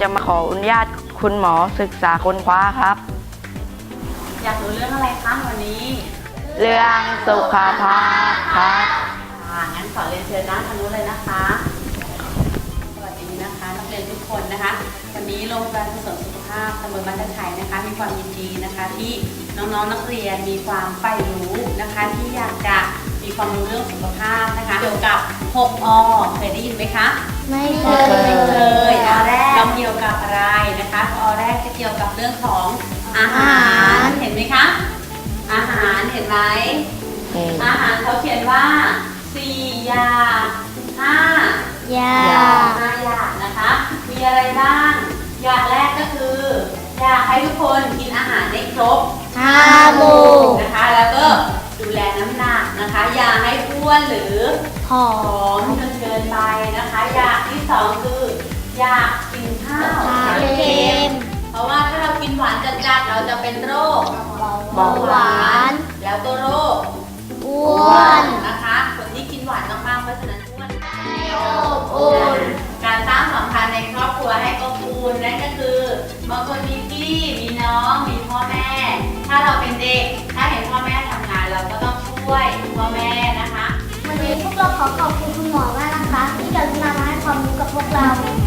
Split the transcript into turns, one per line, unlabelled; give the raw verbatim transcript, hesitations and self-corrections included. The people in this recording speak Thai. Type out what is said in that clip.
จะมาขออนุญาตคุณหมอศึกษาค้นคว้าครับ
อยากรู้เรื่องอะไรคะวันนี้
เรื่องสุขภาพครับ
ค่ะงั้นขอเรียนเชิญด้านทางนู้นเลยนะคะสวัสดีนะคะนักเรียนทุกคนนะคะวันนี้โรงพยาบาลส่งเสริมสุขภาพตำบลบ้านตะไคร้นะคะมีความยินดีนะคะที่น้องๆ น, นักเรียนมีความใฝ่รู้นะคะที่อยากจะมีความรู้เรื่องสุขภาพนะคะเกี่ยวกับหกอเคยได้ยินไหมคะ
ไม่เค
ไม่
ย
เคยอแรกเราเกี่ยวกับอะไรนะคะอแรกจะเกี่ยวกับเรื่องของอาหารเห็นไหมคะอาหารเห็นไหมอาหารเขาเขียนว่าสี่อย่างห้าย
า
ห้าอย่างนะคะมีอะไรบ้างอย่างแรกก็คืออยากให้ทุกคนกินอาหารได้ครบ
ห้าหมู่
นะคะแล้วก็ดูแลน้ำหนักนะคะอย่าให้อ้วนหรือ
หอ
ผอมจนเกินไปนะคะอยากที่สองคืออยากกินข้าว
เค็ม
เพราะว่าถ้าเรากินหวานจัดๆเราจะเป็นโรค
เบาหวาน
แล้วก็โรค
อ้วน
นะคะคนที่กินหวานมากๆเพราะฉะนั้นอ้วน
อบอุ่น
การสร้างสัมพันธ์ในครอบครัวให้อบอุ่นนั่นก็คือบางคนมีพี่มีน้องมีพ่อแม่ ถ้าเราเป็นเด็กถ้าเห็นพ่อแม่ทำงานเราก็ต้องช่วยพ่อแม่นะคะ
วันนี้พวกเราขอขอบคุณคุณหมอมากนะคะที่กรุณามาให้ความรู้กับพวกเรา